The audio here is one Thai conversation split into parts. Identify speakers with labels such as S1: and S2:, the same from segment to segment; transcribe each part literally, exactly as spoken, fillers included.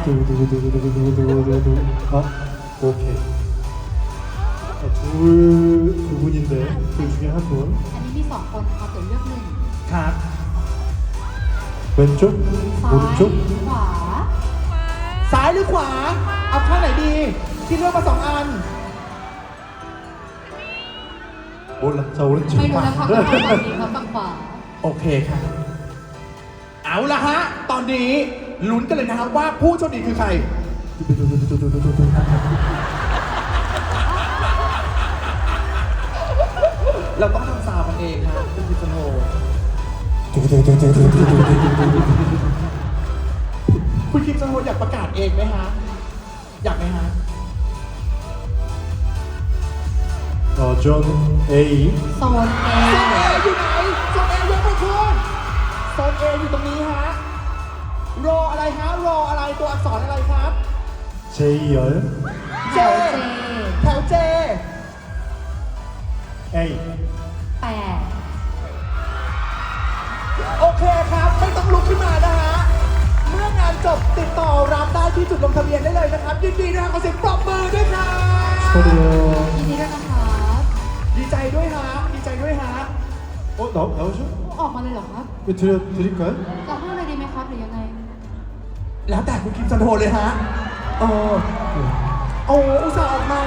S1: 두구두구두구두구두구두구두구. 아, 오케이. 아, 둘, 두 분인데 둘 중에 한 분.
S2: อันนี้มีสองคนนะคะตัวเลือกหนึ่ง
S3: ครับ
S1: 왼쪽,
S2: ซ้าย
S1: 오른쪽.
S2: ขวา
S3: ซ้ายหรือขวา เอาข้างไหนดีที่เลือกมาสองอัน
S1: 몰라. 자, 오른쪽.
S2: ไม่รู้นะคะก็ฝั่งฝั่งนี้ครับฝั่งขวา
S3: โอเคค่ะ เอาละฮะ ตอนนี้ลุ้นกันเลยนะครับว่าผู้โชคดีคือใคร
S1: 두구두구두구두구두구.
S3: เราต้องทำซาวด์กันเองครับคุณพิจโน
S1: 두구두구두구두구두구두구두구.
S3: คุณคิมจโนอยากประกาศเองไหมฮะ อยากไหมฮะ
S1: 어, 존 A.
S2: โซน A
S3: โซนเออยู่ไหนโซนเอยกมือขึ้นโซนเออยู่ตรงนี้ฮะ รออะไรฮะ รออะไรตัวอักษรอะไรครับ
S1: 제이열.
S3: เจ
S2: แถว J
S3: แถวเจ
S1: A.
S2: แปด
S3: โอเคครับ ไม่ต้องลุกขึ้นมานะฮะ เมื่องานจบติดต่อรับได้ที่จุดลงทะเบียนได้เลยนะครับยินดีด้วยครับขอเสียงปรบมือด้วยครับ
S1: 축하드려요.
S2: ยินดีด้วยนะคะ
S3: ดีใจด้วยฮะ ดีใจด้วยฮะ
S1: 어, 나, 나오죠?
S2: ออกมาเลยเหรอครับ
S1: 왜 드려, 드릴까요?
S2: จะให้เลยดีไหมครับหรือยังไง
S3: แล้วแต่คุณคิมจันโทเลยฮะเออโอ้อุตส่าห์ออกมา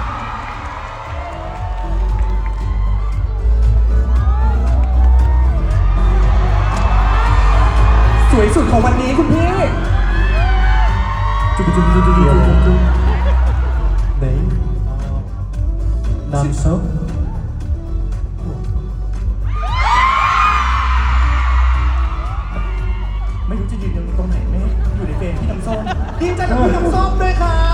S3: สวยสุดของวันนี้คุณพี่
S1: 두구두구두구두구두구. 네임. 어, 남성.
S3: ไม่รู้จะยืนอยู่ตรงไหนแม่อยู่ในเฟรมพี่น้ำส้มดีใจกับพี่น้ำส้มด้วยครับ